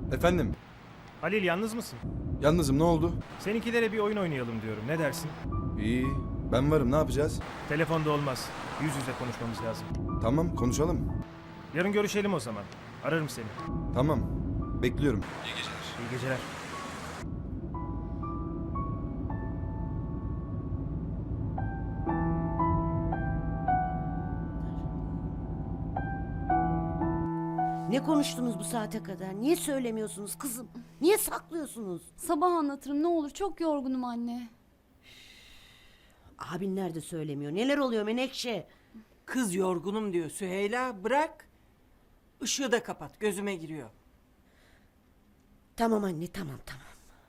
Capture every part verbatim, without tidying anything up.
Efendim, Halil yalnız mısın? yalnızım, ne oldu? Seninkilere bir oyun oynayalım diyorum. Ne dersin? İyi, ben varım, ne yapacağız? Telefonda olmaz. Yüz yüze konuşmamız lazım. Tamam, konuşalım. Yarın görüşelim o zaman. Ararım seni. Tamam, bekliyorum. İyi geceler. Ne konuştunuz bu saate kadar? Niye söylemiyorsunuz kızım? Niye saklıyorsunuz? Sabah anlatırım ne olur, çok yorgunum anne. Abin nerede söylemiyor? Neler oluyor Menekşe? Kız yorgunum diyor Süheyla, bırak. Işığı da kapat, gözüme giriyor. Tamam anne, tamam tamam.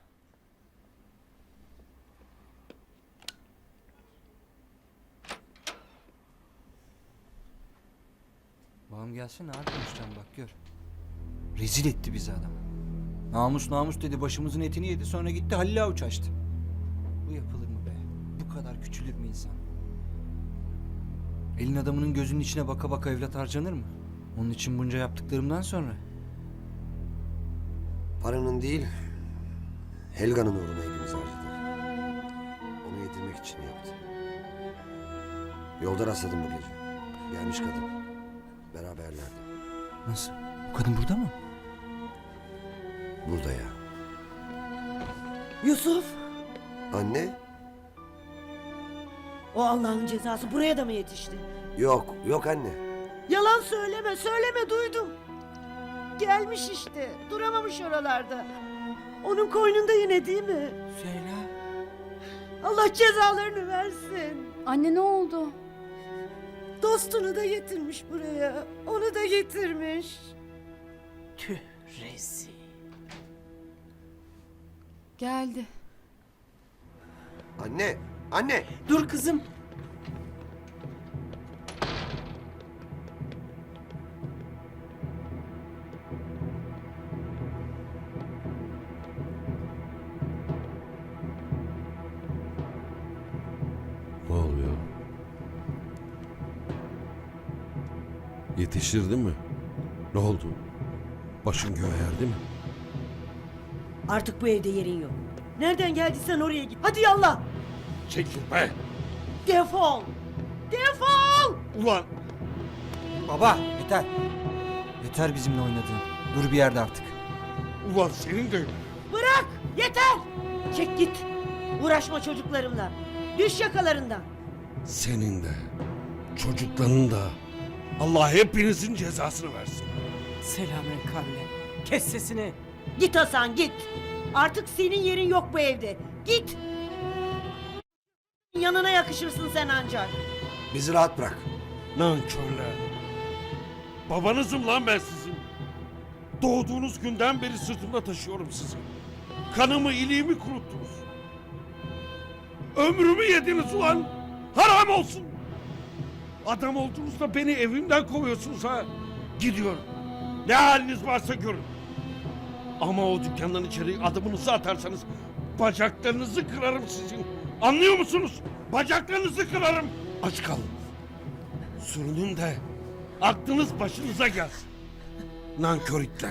Babam gelsin abi konuşacağım bak gör. Rezil etti bizi adam. Namus namus dedi, başımızın etini yedi, sonra gitti Halil Avuç açtı. Bu yapılır mı be? Bu kadar küçülür mü insan? Elin adamının gözünün içine baka baka evlat harcanır mı? Onun için bunca yaptıklarımdan sonra. Paranın değil, Helga'nın uğruna hepimiz harcadı. Onu yedirmek için yaptı. Yolda rastladım bu gece. Gelmiş kadın. Beraberlerdi. Nasıl? Bu kadın burada mı? Burada ya. Yusuf, Anne? o Allah'ın cezası buraya da mı yetişti? Yok, yok anne. Yalan söyleme, söyleme, duydum. Gelmiş işte, duramamış oralarda. Onun koynunda yine değil mi? Süheyla, Allah cezalarını versin. Anne ne oldu? Dostunu da getirmiş buraya. Onu da getirmiş. tüh rezil. Geldi. Anne, anne! Dur kızım. Ne oluyor? Yetiştirdi mi? Ne oldu? Başın göğe erdi mi? Artık bu evde yerin yok. Nereden geldiysen oraya git. Hadi yallah. Çekil be! Defol. Defol. Ulan! Baba yeter. Yeter bizimle oynadığın. Dur bir yerde artık. Ulan senin de... Bırak. Yeter. Çek git. Uğraşma çocuklarımla. Düş yakalarından. Senin de, çocukların da Allah hepinizin cezasını versin. Selamün kavle. Kes sesini. Git Hasan git. Artık senin yerin yok bu evde. Git. Yanına yakışırsın sen ancak. Bizi rahat bırak. Nankörler. Babanızım lan ben sizin. Doğduğunuz günden beri sırtımda taşıyorum sizi. Kanımı, iliğimi kuruttunuz. Ömrümü yediniz ulan. Haram olsun. Adam olduğunuzda beni evimden kovuyorsunuz ha. Gidiyorum. Ne haliniz varsa görün. Ama o dükkandan içeri adımınızı atarsanız bacaklarınızı kırarım sizin. Anlıyor musunuz? Bacaklarınızı kırarım. Aç kalın. Sürünün de aklınız başınıza gelsin. Nankör itler.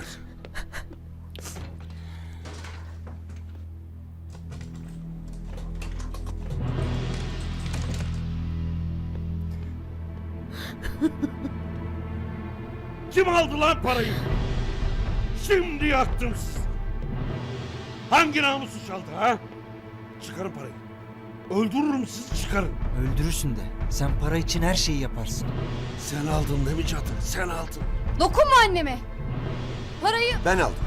Kim aldı lan parayı? Şimdi yaktım sizi. Hangi namusu çaldı ha? Çıkarın parayı. Öldürürüm sizi, çıkarın. Öldürürsün de. Sen para için her şeyi yaparsın. Sen aldın değil mi cadı? Sen aldın. Dokunma anneme. Parayı... Ben aldım.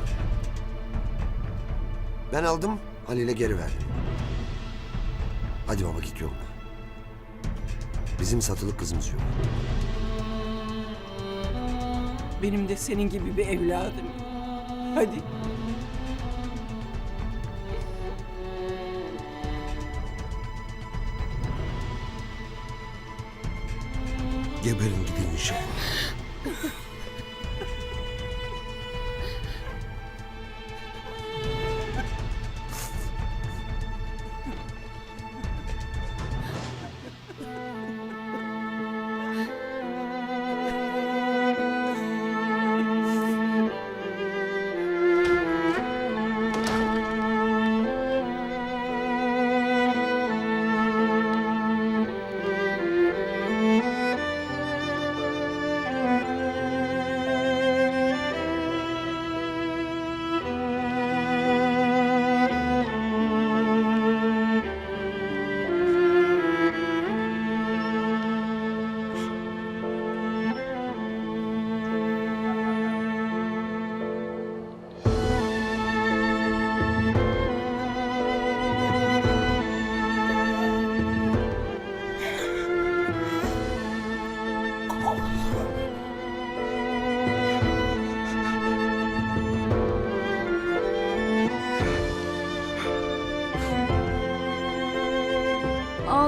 Ben aldım, Halil'e geri verdim. Hadi baba git yoluna. Bizim satılık kızımız yok. Benim de senin gibi bir evladım. Hadi. Geberin gidin inşallah.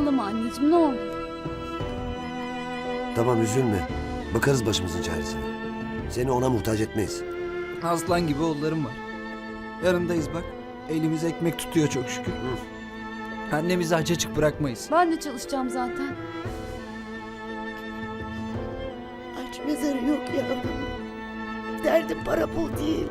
ağlama anneciğim ne olur. Tamam üzülme. Bakarız başımızın çaresine. Seni ona muhtaç etmeyiz. Aslan gibi oğullarım var. Yanındayız bak. Elimiz ekmek tutuyor çok şükür. Annemizi aç açık bırakmayız. Ben de çalışacağım zaten. Aç mezarı yok yavrum. Derdim para pul değil.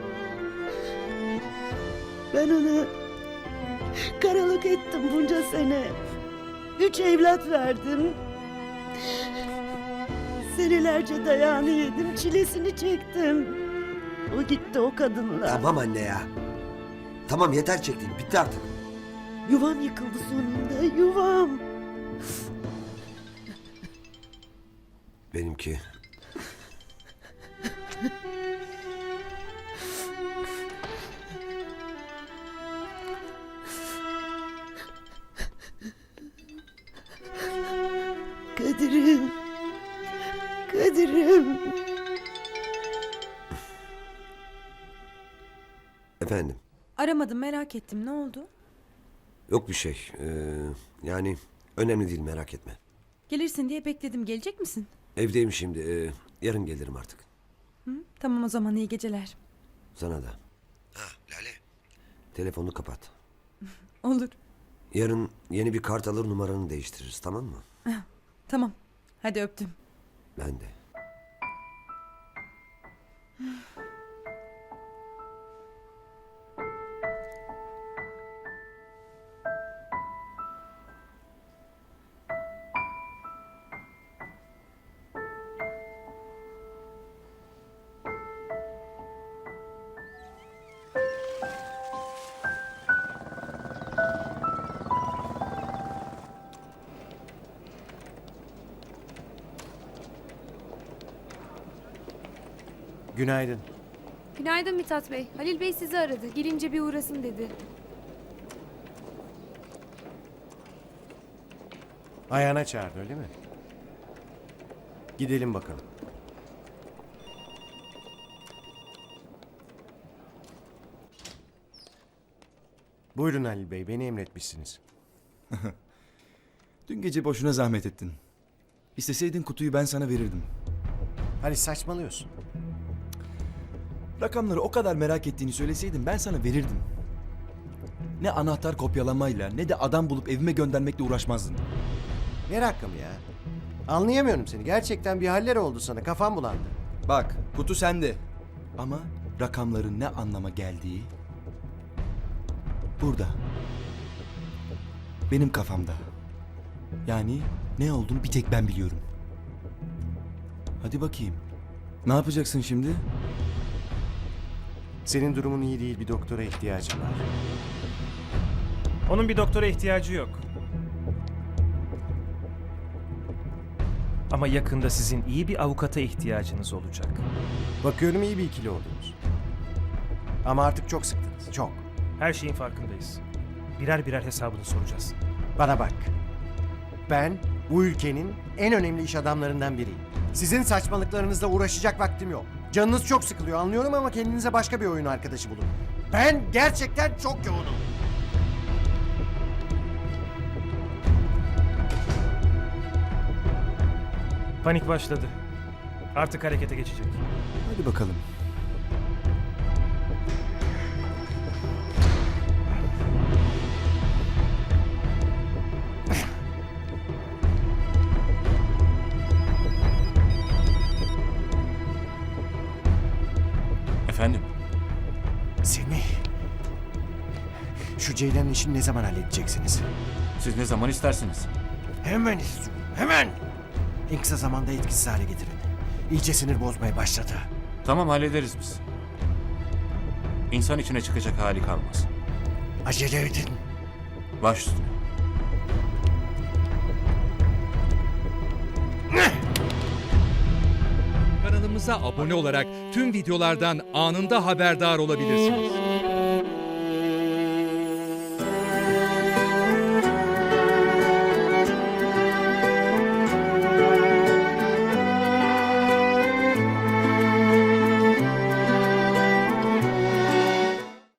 Ben onu karalık ettim bunca sene. Üç evlat verdim. Senelerce dayağını yedim, çilesini çektim. O gitti o kadınla. Tamam anne ya. Tamam yeter çektiğin. Bitti artık. Yuvam yıkıldı sonunda, yuvam. Benimki. Kadir'im. Kadir'im. Efendim. Aramadım, merak ettim. Ne oldu? Yok bir şey. Ee, yani önemli değil, merak etme. Gelirsin diye bekledim. Gelecek misin? Evdeyim şimdi. ee, yarın gelirim artık. Hı? Tamam o zaman, iyi geceler. Sana da. Ha Lale. Telefonu kapat. Olur. Yarın yeni bir kart alır, numaranı değiştiririz, tamam mı? Tamam. Hadi öptüm. Ben de. Günaydın. Günaydın Mithat Bey. Halil Bey sizi aradı. Gelince bir uğrasın dedi. Ayağına çağırdı öyle mi? Gidelim bakalım. Buyurun Halil Bey, beni emretmişsiniz. Dün gece boşuna zahmet ettin. İsteseydin kutuyu ben sana verirdim. Hadi saçmalıyorsun. Rakamları o kadar merak ettiğini söyleseydin ben sana verirdim. Ne anahtar kopyalamayla ne de adam bulup evime göndermekle uğraşmazdın. Ne rakamı ya? Anlayamıyorum seni. Gerçekten bir haller oldu sana. Kafam bulandı. Bak kutu sende. Ama rakamların ne anlama geldiği burada. Benim kafamda. Yani ne olduğunu bir tek ben biliyorum. Hadi bakayım. Ne yapacaksın şimdi? Senin durumun iyi değil. Bir doktora ihtiyacım var. Onun bir doktora ihtiyacı yok. Ama yakında sizin iyi bir avukata ihtiyacınız olacak. Bakıyorum iyi bir ikili oldunuz. Ama artık çok sıktınız. Çok. Her şeyin farkındayız. Birer birer hesabını soracağız. Bana bak. Ben bu ülkenin en önemli iş adamlarından biriyim. Sizin saçmalıklarınızla uğraşacak vaktim yok. Canınız çok sıkılıyor anlıyorum ama kendinize başka bir oyun arkadaşı bulun. Ben gerçekten çok yoğunum. Panik başladı. Artık harekete geçecek. Hadi bakalım. Efendim? Semih. Şu Ceylan'ın işini ne zaman halledeceksiniz? Siz ne zaman istersiniz? Hemen istiyorum. Hemen. En kısa zamanda etkisiz hale getirin. İyice sinir bozmaya başladı. Tamam hallederiz biz. İnsan içine çıkacak hali kalmaz. Acele edin. Baş üstüne. Kanalımıza abone olarak tüm videolardan anında haberdar olabilirsiniz.